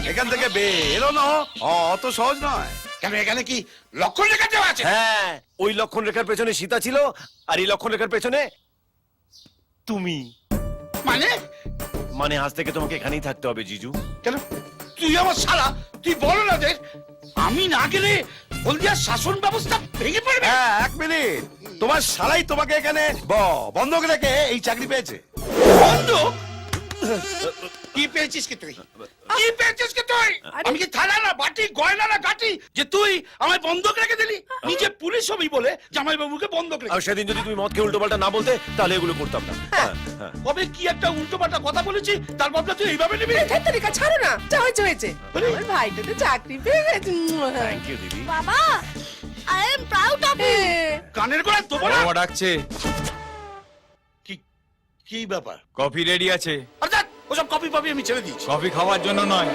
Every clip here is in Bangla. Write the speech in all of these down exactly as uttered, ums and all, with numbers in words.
এখান থেকে বেরোনো অত সহজ নয়। কেন এখানে কি লক্ষণ রেখা দেওয়া আছে? হ্যাঁ, ওই লক্ষণ রেখার পেছনে সীতা ছিল, আর এই লক্ষণ রেখার পেছনে তুমি। মানে মানে আজ থেকে তোমাকে এখানেই থাকতে হবে জিজু। কেন? তুই আমার শালা, তুই বলো না দেখ, আমি না গেলে হলদিয়ার শাসন ব্যবস্থা ভেঙে পড়বে। হ্যাঁ, এক মিনিট, তোমার শালাই তোমাকে এখানে ব- বন্ধক রেখে এই চাকরি পেয়েছে। বন্ধ? কি পেয়েছিস কি তুই? কি পেয়েছিস কি তুই? আমি কি থালা না বাটি, গয়না না গাটি যে তুই আমায় বন্ধক রেখে দিলি? নিজে পুলিশ হবি বলে জামাই বাবুকে বন্ধক রেখে। আর সেদিন যদি তুমি মদ খেয়ে উল্টো পাল্টা না বলতে, তাহলে এগুলো করতাম না। হ্যাঁ, হ্যাঁ। কবে কি একটা উল্টো পাল্টা কথা বলেছি, তার বদলা তুই এইভাবে নিবি? তরিকা ছাড়ো না, যা হয়েছে হয়েছে। আমার ভাইটা তো চাকরি পেয়ে গেছে। থ্যাংক ইউ দিদি। বাবা, I am proud of you. কানের গোড়ায় দেবো না। বাবা ডাকছে। কি কি ব্যাপার? কফি রেডি আছে। অর্থাৎ ওসব কপি পাবি আমি ছেড়ে দিচ্ছি। কফি খাওয়ার জন্য নয়।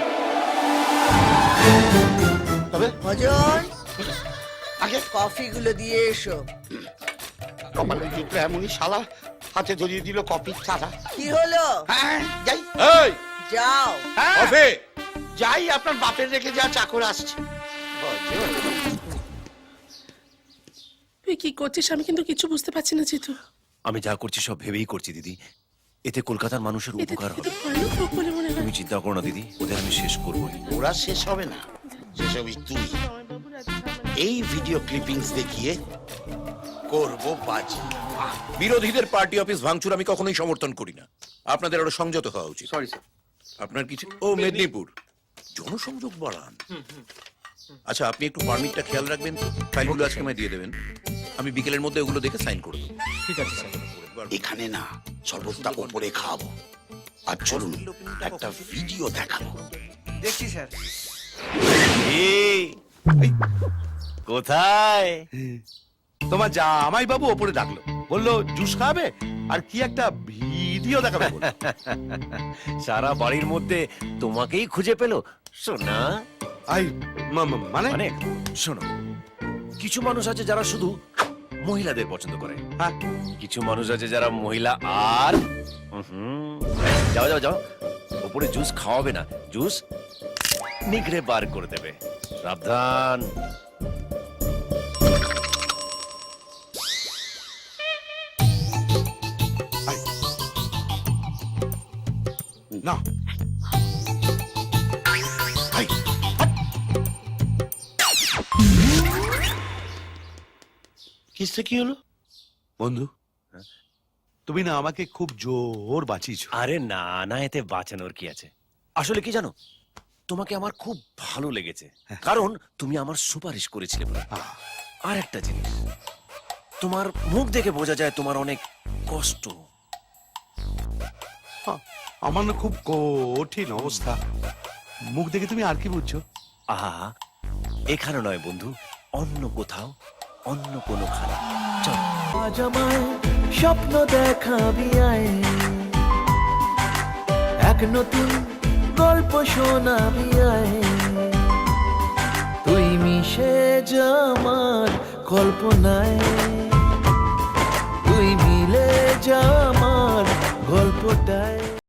তবে ভজন, আগে কফি গুলো দিয়ে এসো। কপালে জুটলো এমনই শালা, হাতে ধরিয়ে দিল কপির থালা। কি হলো? হ্যাঁ যাই। এই যাও। হ্যাঁ, কফি। যাই, আপনার বাপের রেখে যা চাকর আসছে। তুই কি করছিস আমি কিন্তু কিছু বুঝতে পারছি না জিতু। আমি যা করছি সব ভেবেই করছি দিদি। এতে কলকাতার মানুষের এতে উপকার থেকে হবে। তো ভয়ানক রোগ বলে মনে হয়। তুমি চিন্তা করো না দিদি, ওদের আমি শেষ করবোই। ওরা শেষ হবে না, শেষ হবি তুই। এই ভিডিও ক্লিপিংস দেখিয়ে করবো বাজি। বিরোধীদের পার্টি অফিস ভাঙচুর আমি কখনোই সমর্থন করি না। আপনাদের আরো সংযত হওয়া উচিত। Sorry sir. আপনার কিছু ও মেদিনীপুর জনসংযোগ বাড়ান। আচ্ছা, আপনি একটু পারমিটটা খেয়াল রাখবেন তো, ফাইলগুলো আজকে আমায় দিয়ে দেবেন। আমি বিকেলের মধ্যে ওগুলো দেখে সাইন করে দেবো। ঠিক আছে স্যার। এখানে না, সর্বত্র ওপরে খাবো। আর চলুন একটা ভিডিও দেখাবো। দেখছি স্যার। এই, কোথায়? তোমার জামাই বাবু ওপরে ডাকলো, বললো জুস খাবে আর কি একটা ভিডিও দেখাবে বলে। সারা বাড়ির মধ্যে তোমাকেই খুঁজে পেলো সোনা। আই মা- মা- মানে মানে শোনো, কিছু মানুষ আছে যারা শুধু মহিলাদের পছন্দ করে, হ্যাঁ, কিছু মানুষ আছে যারা মহিলা আর হুম, যাও যাও যাও, ওপরে জুস খাওয়াবে না, জুস নিগড়ে বার করে দেবে। সাবধান। না আই, কিসে কি হলো? বন্ধু, তুমি না আমাকে খুব জোর বাঁচিয়েছো। আরে না না, এতে বাঁচানোর কি আছে? আসলে কি জানো, তোমাকে আমার খুব ভালো লেগেছে, কারণ তুমি আমার সুপারিশ করেছিলে বলে। আহ, আর একটা জিনিস, তোমার মুখ দেখে বোঝা যায় তোমার অনেক কষ্ট। আ- আমার না খুব কঠিন অবস্থা। মুখ দেখে তুমি আর কি বুঝছো? আহা, এখানে নয় বন্ধু, অন্য কোথাও, অন্য কোনো খানা। চল। আজ আমায় স্বপ্ন দেখাবি আয়, এক নতুন গল্প শোনাবি আয়, তুই মিশে যা আমার কল্পনায়।